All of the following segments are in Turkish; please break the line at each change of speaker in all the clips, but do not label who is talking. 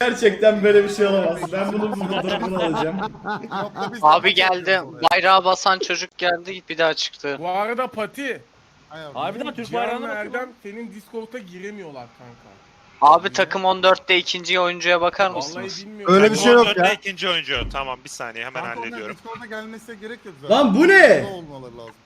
Gerçekten böyle bir şey olamaz. Ben bunun fotoğrafını alacağım.
Abi geldi. Bayrağı basan çocuk geldi bir daha çıktı.
Bu arada Pati.
Harbiden Türk
Cihan'la
bayrağına bakıyor
Erdem
lan.
senin Discord'a giremiyorlar kanka.
Abi takım 14'te ikinci oyuncuya bakar
Vallahi
mısınız?
bilmiyorum.
Öyle bir şey yok ya.
İkinci oyuncu. Tamam bir saniye hemen
Kanka onlar
hallediyorum.
Discord'a gelmesine gerek yok zaten.
Lan bu ne?
Burada olmaları lazım.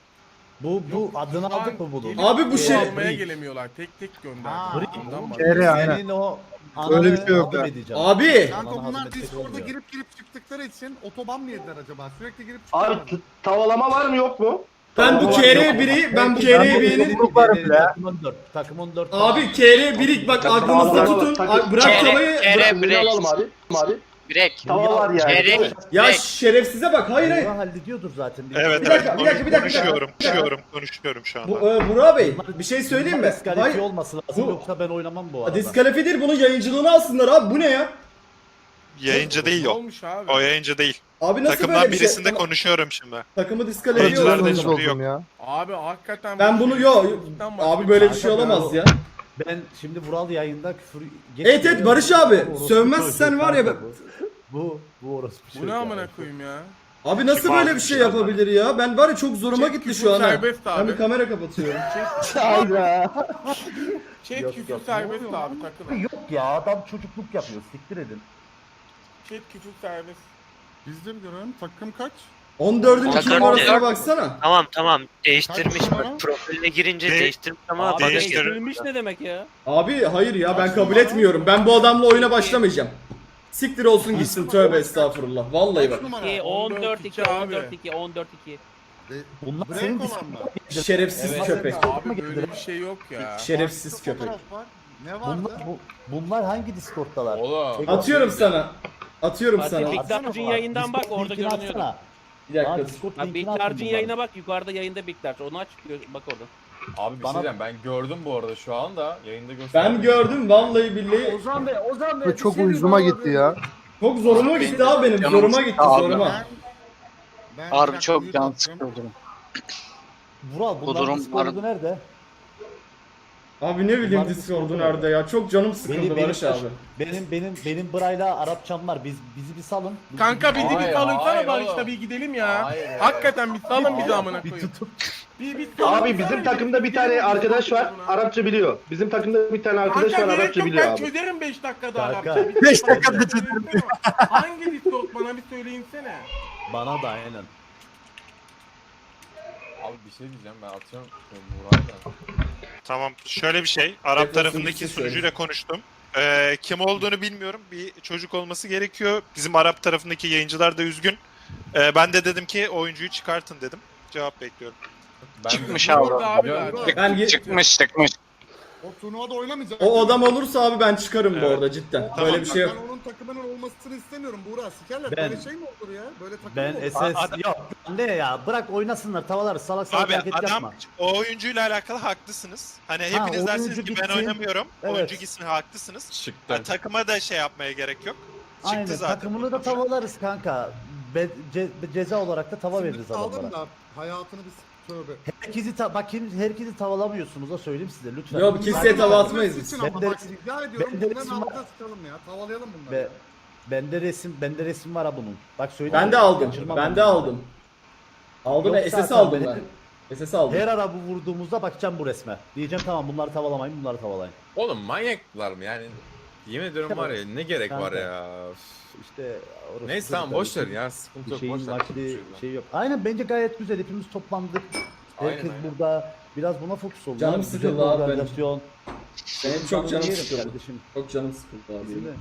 Bu adını
Şu an
aldık mı bunu?
gelip
Abi bu şey-
almaya gelemiyorlar. Tek tek gönder.
Ha,
Ondan bak.
aynen.
Senin o
Öyle bir şey yok ya.
edeceğim.
Abi.
Kanka
Bana
bunlar
hazmetmek
Discord'a
olmuyor.
girip çıktıkları için otoban mı yediler acaba? Sürekli girip
Abi
çıkıyorlar.
tavalama var mı yok mu?
Ben bu KR1'i ben bu KR1'in
Takım 14.
abi KR1'i bak aklınızda tutun. Bırak tavayı.
Kere
Biri alalım abi. Abi.
Birek.
Tava var yani.
Çeyrek.
Ya şerefsize bak. Hayır hayır.
Burak hallediyordur zaten.
Evet
Bir dakika, bir dakika, bir dakika.
konuşuyorum şu
Bu
anda.
Burak Bey bir şey söyleyeyim mi?
Diskalifiye
Hayır.
olması lazım
Bu-
yoksa ben oynamam bu arada.
Diskalifiye değil, bunun yayıncılığını alsınlar abi. Bu ne ya?
Yayıncı değil
Ne
o.
olmuş abi?
O yayıncı değil.
Abi nasıl
Takımdan
böyle bir
birisinde
şey?
konuşuyorum şimdi.
Takımı diskalifiye
Yayıncılar da
olsun.
şimdi yok.
ya.
Abi hakikaten
Ben bunu abi böyle bir şey olamaz ya.
Ben şimdi Vural yayında küfür...
Evet evet Barış abi.
Orospu
Sövmezsen
çocuğu
var ya.
kanka bu orospu
Bu
çocuğu
ne amına
ya.
koyayım ya?
Abi nasıl
Kim
böyle
aldı
bir şey
ya?
yapabilir ya? Ben var ya çok zoruma
Çek
gitti
küfür
şu an. ha.
serbest
Ben
abi.
bir kamera kapatıyorum.
Hayda.
Chat
Yok,
küfür
yok.
serbest abi takılın.
Yok ya adam çocukluk yapıyor siktir edin.
Chat küfür serbest.
Biz de bir görelim. Takım kaç?
14'ün
Takım
2 numarasına
14.
baksana.
Tamam değiştirmiş
Kaç numara?
bak profiline girince
De-
değiştirmiş ama
Abi
Değiştir-
değiştirilmiş ne demek ya?
Abi hayır ya ben kabul etmiyorum. Ben bu adamla oyuna başlamayacağım. Siktir olsun gitsin tövbe estağfurullah. Vallahi bak.
Kaç numara?
14 2
abi.
14 2 14 2.
Bunlar
Break
senin
olan
Discord
mı?
Şerefsiz
Evet.
köpek.
Abi böyle bir şey yok ya.
Şerefsiz
Farklı
köpek.
fotoğraf var. Ne vardı?
bunlar hangi Discord'dalar?
Oğlum.
Atıyorum sana. Atıyorum
Hadi
sana.
Big
Atsana
Dodge'ın
bana.
yayından bak
Discord
orada
linkini
görünüyordu.
atsana.
Bir dakika.
Aa, Discord
Abi Big
linkini attım
Dodge'ın
bana.
yayına bak yukarıda yayında Big Dodge onu aç bak orada.
Abi bir
Bana-
şey diyeceğim ben gördüm bu arada şu anda yayında gösterdim.
Ben gördüm vallahi billahi.
Ozan Bey
Bu çok uyuzuma gitti ya.
Çok zoruma gitti abi benim.
Canım
Zoruma gitti
abi.
zoruma.
Ben
Harbi
bir
çok
dakika
can
mute atacağım.
sıkıldım.
Vural
Bu
bunların
durum-
Discord'u nerede?
Abi ne bileyim
Bunlar
Discord'u
Discord'u
nerede ya? Çok canım sıkıldı Barış abi.
Benim Bray'la Arapçam var. Bizi bir salın.
Kanka bizi bir
Hayır,
salınsana
hayır
Barış'la
oğlum.
bir gidelim ya.
Hayır ya.
Hakikaten bir salın bizi amına
bir
koyayım.
tutup
Bir salın,
Abi
bir
bizim
salın,
takımda bir
gidelim
tane
biz
arkadaş var.
buna.
Arapça biliyor. Bizim takımda bir tane arkadaş
Kanka
var.
gerek
Arapça
yok
biliyor
ben
abi.
çözerim 5 dakikada
Kanka.
Arapça.
5 dakikada
çözerim. Hangi Discord bana bir söyleyinsene.
bana da aynen.
Abi bir şey diyeceğim ben atıyorum Burak'la.
Tamam şöyle bir şey. Arap
Tekrar
tarafındaki
söyle.
sunucuyla konuştum. Kim olduğunu bilmiyorum. Bir çocuk olması gerekiyor. Bizim Arap tarafındaki yayıncılar da üzgün. Ben de dedim ki oyuncuyu çıkartın dedim. Cevap bekliyorum.
Çıkmış
Orada
abi.
abi
Yok,
zaten.
Ben
Çıkmış.
O turnuvada oynamayacak.
o adam olursa abi ben çıkarım bu
Evet.
arada cidden. Böyle bir şey yok.
Ben onun takımının olmasını istemiyorum Buğra. Sikerler.
Ben-
Böyle şey mi olur ya? Böyle takım
Ben
mı olur?
SS yok ne ya bırak oynasınlar tavalar salak salak
Abi
hareket
adam
yapma.
o oyuncuyla alakalı haklısınız. Hani hepiniz dersiniz
oyuncu
ki ben
gitsin.
oynamıyorum.
Evet.
Oyuncu gitsin haklısınız.
Çıktı.
Yani takıma da şey yapmaya gerek yok. Çıktı
Aynen
zaten.
takımını da tavalarız kanka. Ceza olarak da tava
Şimdi
veririz
kaldım
adamlara.
da hayatını biz tövbe.
Herkesi tavalamıyorsunuz da söyleyeyim size lütfen.
Yok, kimseye tava atmayız biz.
Sıçın ama
Ben de-
bak rica ediyorum
ben de
bunların
resim var.
altına sıçalım ya. Tavalayalım bunları.
Ve bende resim var ha bunun. Bak söyleyeyim.
Ben de aldım.
Kaçırmam
Ben
onu.
de aldım. Aldım
Yok
ve SS
zaten
aldım
benim-
ben. SS aldım.
Her ara bu vurduğumuzda bakacağım bu resme. Diyeceğim tamam bunları tavalamayın bunları tavalayın.
Oğlum manyaklar mı yani? Yemin ediyorum var ya ne gerek var
Kanka.
ya.
İşte orası
Neyse tamam
çocuklar
boş ver
için
ya sıkıntı
Bir
yok
şeyin
boş ver.
vakti şey yok. Aynen bence gayet güzel hepimiz toplandık.
Aynen,
Herkes
aynen.
burada biraz buna fokus oldu.
Canım
Güzel
sıkıldı
bir
abi benim.
organizasyon.
Benim çok canım
Yerim
sıkıldı.
kardeşim.
Çok canım sıkıldı abi.
Kesinlikle.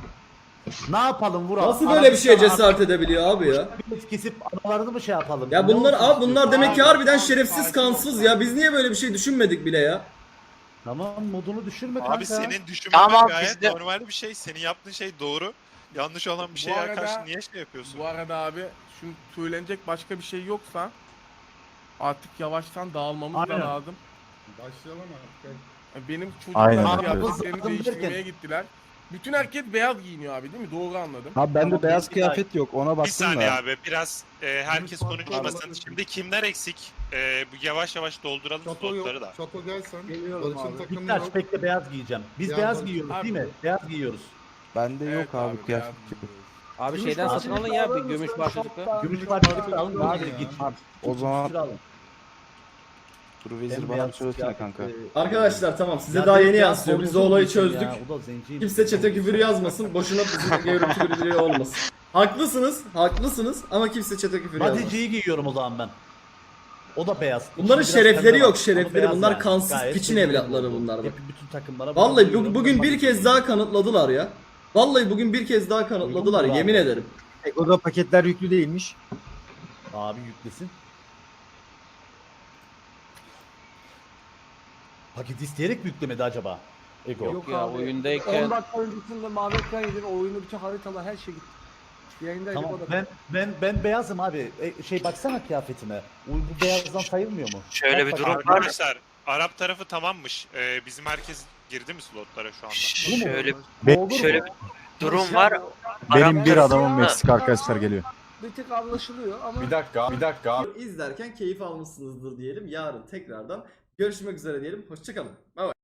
Ne yapalım Vural?
Nasıl böyle bir şeye cesaret edebiliyor abi ya?
Biz kesip analarını mı şey yapalım?
Ya
Ne
bunlar
olsun
abi bunlar
istiyorsun?
demek ki
Abi,
harbiden
abi,
şerefsiz
sakin
kansız
ol.
ya. Biz niye böyle bir şey düşünmedik bile ya?
Tamam modunu düşürme kanka.
Abi senin düşünmen
Tamam,
gayet
biz de-
normal bir şey. Senin yaptığın şey doğru. Yanlış olan bir
Bu
şeye
arada-
karşı niye şey yapıyorsun?
Bu arada abi şimdi söylenecek başka bir şey yoksa artık yavaştan dağılmamız da
Aynen.
lazım.
Başlayalım artık.
Benim
Aynen.
çocuklar
Abi,
kıyafetlerini
zaten
değiştirmeye
derken-
gittiler. Bütün herkes beyaz giyiniyor abi değil mi? Doğru anladım.
Abi bende
Tamam,
beyaz
bir
kıyafet yok ona
Bir
baktım
saniye
da.
abi biraz herkes
Lütfen,
konuşmasın.
pardon.
Şimdi kimler eksik? Bu yavaş yavaş dolduralım
Çato yok.
slotları da.
Çato gelsen.
Geliyorum
Barış'ın
abi.
takımı
Dikkat
yok.
bekle beyaz giyeceğim. Biz
Ya
beyaz
Barış-
giyiyoruz
Abi-
değil mi? Beyaz giyiyoruz.
Bende yok abi kıyafet.
Abi şeyden satın alın ya bir gümüş parçacıklı.
Gümüş parçacıklı alın abi git.
O zaman
Gümüş alın.
dur
Bembeyaz kıyafet,
Arkadaşlar tamam size
Ya
daha
benim
yeni
ya
yansıyor. Biz o
sorumsuz
olayı
değilsin
çözdük.
ya, o da zenciyim.
Kimse çete küfür yazmasın. Boşuna bizim görüntü birliği olmasın. Haklısınız, haklısınız ama kimse çete küfür yazmasın.
Badiciyi giyiyorum o zaman ben. O da beyaz.
Bunların
İçinde biraz
şerefleri
pembe
yok,
var.
şerefleri.
Ama
Bunlar
beyaz
kansız
Gayet
piçin
memnunum
evlatları
oldu.
bunlar bak.
Hep bütün takımlara
Vallahi
bakıyorum,
bugün
ben
bir kez daha kanıtladılar ya. Vallahi bugün bir kez daha kanıtladılar
Uygun mu
yemin
abi?
ederim.
O da paketler yüklü değilmiş.
Abi yüklesin. Paket isteyerek mi yüklemedi acaba? Ego.
Yok ya oyundayken.
10 dakika öncesinde mavi ekran yedin. O oyunu bütün haritalar her şey gitti. Yayındaydık
Tamam
o da.
ben beyazım abi. Şey baksana kıyafetime. Bu beyazdan sayılmıyor mu?
Şöyle bir
Bak
durum
bakalım.
var.
Arkadaşlar Arap tarafı tamammış. Bizim herkes girdi mi slotlara şu anda?
Şöyle
Olur
şöyle
mu?
bir durum var.
Benim
Arap
bir
tarafı-
adamım Meksik arkadaşlar geliyor.
Bir tık anlaşılıyor ama
Bir dakika abi.
İzlerken keyif almışsınızdır diyelim. Yarın tekrardan görüşmek üzere diyelim. Hoşçakalın. Bay bay.